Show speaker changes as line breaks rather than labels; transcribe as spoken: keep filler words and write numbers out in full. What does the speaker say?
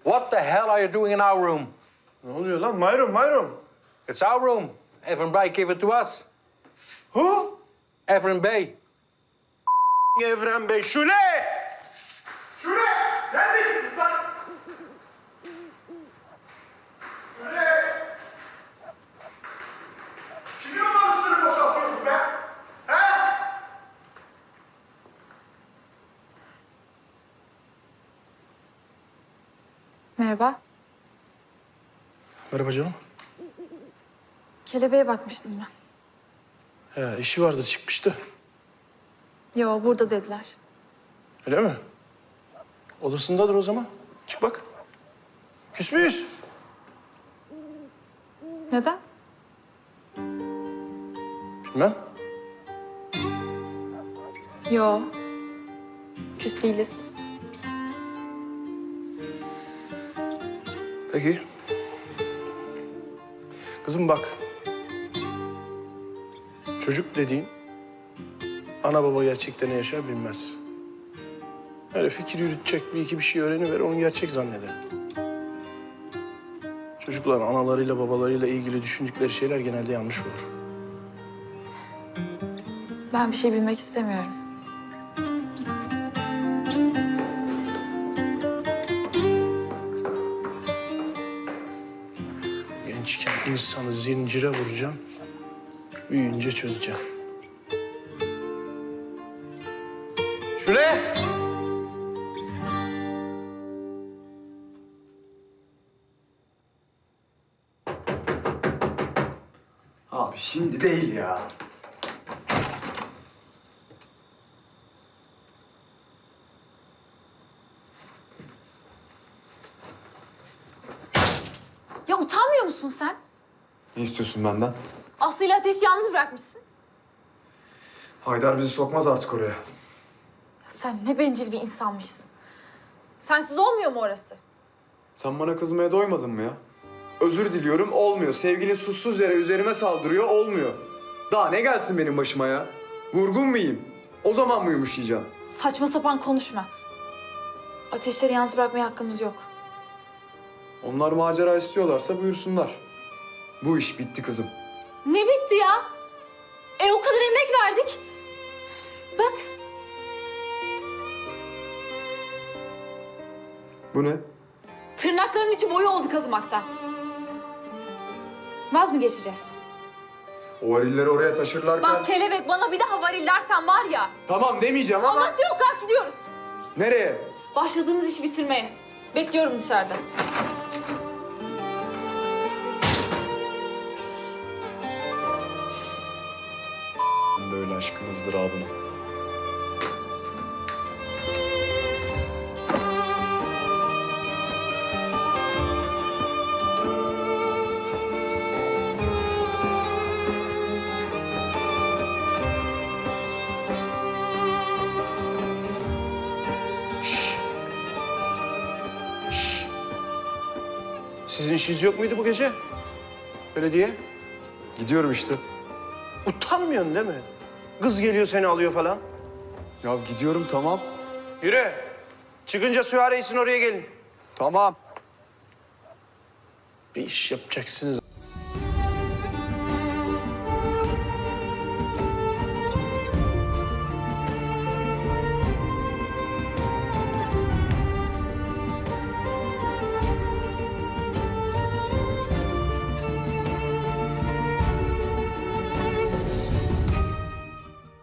What the hell are you doing in our room?
Ne oluyor lan? My room, my room.
It's our room. Evren Bey gave it to us.
Who?
Evren Bey.
Evren Bey. Şule! Şule! Neredesiniz lan? Şule! Kimin odasını boşaltıyorsunuz be? He?
Merhaba.
Merhaba canım.
Kelebeğe bakmıştım ben.
He, işi vardı, çıkmıştı.
Yo, burada dediler.
Öyle mi? Odasındadır o zaman. Çık bak. Küs müyüz?
Neden?
Bilmem.
Yo. Küs değiliz.
Peki. Kızım bak. Çocuk dediğin ana baba gerçekten ne yaşar bilmez. Öyle fikir yürütecek, bir iki bir şey öğreniver, onu gerçek zanneder. Çocukların analarıyla babalarıyla ilgili düşündükleri şeyler genelde yanlış olur.
Ben bir şey bilmek istemiyorum.
Gençken insanı zincire vuracaksın, büyüyünce çözeceksin. Şule!
Abi şimdi değil ya.
Ya utanmıyor musun sen?
Ne istiyorsun benden?
Aslı ile Ateş'i yalnız bırakmışsın.
Haydar bizi sokmaz artık oraya.
Ya sen ne bencil bir insanmışsın. Sensiz olmuyor mu orası?
Sen bana kızmaya doymadın mı ya? Özür diliyorum, olmuyor. Sevgilin suçsuz yere üzerime saldırıyor, olmuyor. Daha ne gelsin benim başıma ya? Vurgun mu yiyeyim? O zaman mı yumuşayacağım?
Saçma sapan konuşma. Ateşleri yalnız bırakmaya hakkımız yok.
Onlar macera istiyorlarsa buyursunlar. Bu iş bitti kızım.
Ne bitti ya? E o kadar emek verdik. Bak.
Bu ne?
Tırnaklarının içi boyu oldu kazımaktan. Vaz mı geçeceğiz?
O varilleri oraya taşırlarken...
Bak kelebek bana bir daha varil dersen var ya.
Tamam demeyeceğim ama...
Aması yok, kalk gidiyoruz.
Nereye?
Başladığımız işi bitirmeye. Bekliyorum dışarıda.
Ben de öyle aşkın ızdırabını.
Şşş. Şşş. Sizin işiniz yok muydu bu gece? Belediye.
Gidiyorum işte.
Utanmıyorsun değil mi? Kız geliyor seni alıyor falan.
Ya gidiyorum tamam.
Yürü. Çıkınca süvarisin oraya gelin.
Tamam.
Bir iş yapacaksınız